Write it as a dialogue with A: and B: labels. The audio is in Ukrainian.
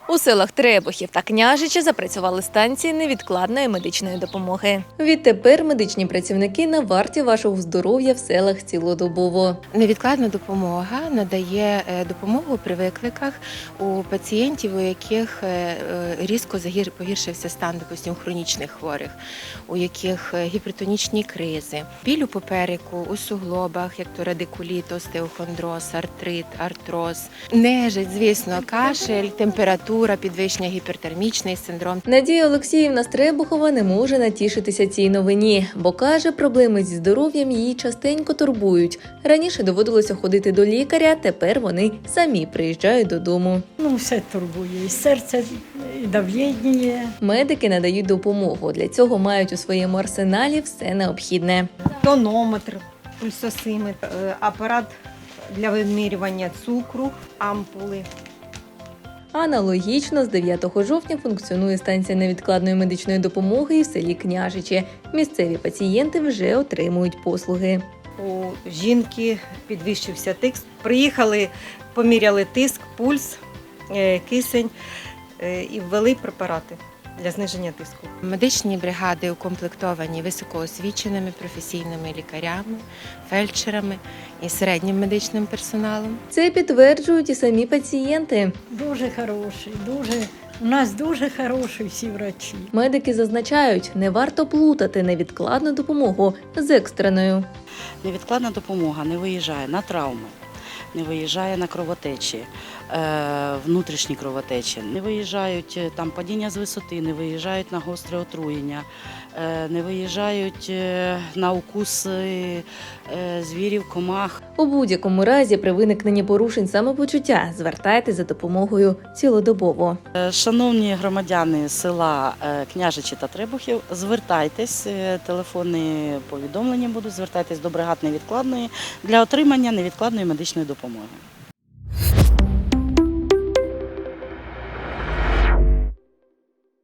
A: У селах Требухів та Княжичі запрацювали станції невідкладної медичної допомоги. Відтепер медичні працівники на варті вашого здоров'я в селах цілодобово.
B: Невідкладна допомога надає допомогу при викликах у пацієнтів, у яких різко погіршився стан, допустим, хронічних хворих, у яких гіпертонічні кризи, біль у попереку, у суглобах, як то радикуліт, остеохондроз, артрит, артроз, нежить, звісно, кашель, температура, підвищення, гіпертермічний синдром.
A: Надія Олексіївна з Требухова не може натішитися цій новині, бо каже, проблеми зі здоров'ям її частенько турбують. Раніше доводилося ходити до лікаря, тепер вони самі приїжджають додому.
C: Все турбує, і серце, і давлення.
A: Медики надають допомогу. Для цього мають у своєму арсеналі все необхідне.
D: Тонометр, пульсосиметр, апарат для вимірювання цукру, ампули.
A: Аналогічно з 9 жовтня функціонує станція невідкладної медичної допомоги і в селі Княжичі. Місцеві пацієнти вже отримують послуги.
D: У жінки підвищився тиск. Приїхали, поміряли тиск, пульс, кисень і ввели препарати для зниження тиску.
B: Медичні бригади укомплектовані високоосвіченими професійними лікарями, фельдшерами і середнім медичним персоналом.
A: Це підтверджують і самі пацієнти.
C: Дуже хороший, у нас дуже хороші всі врачі.
A: Медики зазначають, не варто плутати невідкладну допомогу з екстреною.
E: Невідкладна допомога не виїжджає на травми, не виїжджає на кровотечі, внутрішні кровотечі, не виїжджають там падіння з висоти, не виїжджають на гостре отруєння, не виїжджають на укуси звірів, комах.
A: У будь-якому разі при виникненні порушень самопочуття звертайтеся за допомогою цілодобово.
E: Шановні громадяни села Княжичі та Требухів, звертайтесь, телефонні повідомлення будуть, звертайтесь до бригад невідкладної для отримання невідкладної медичної допомоги.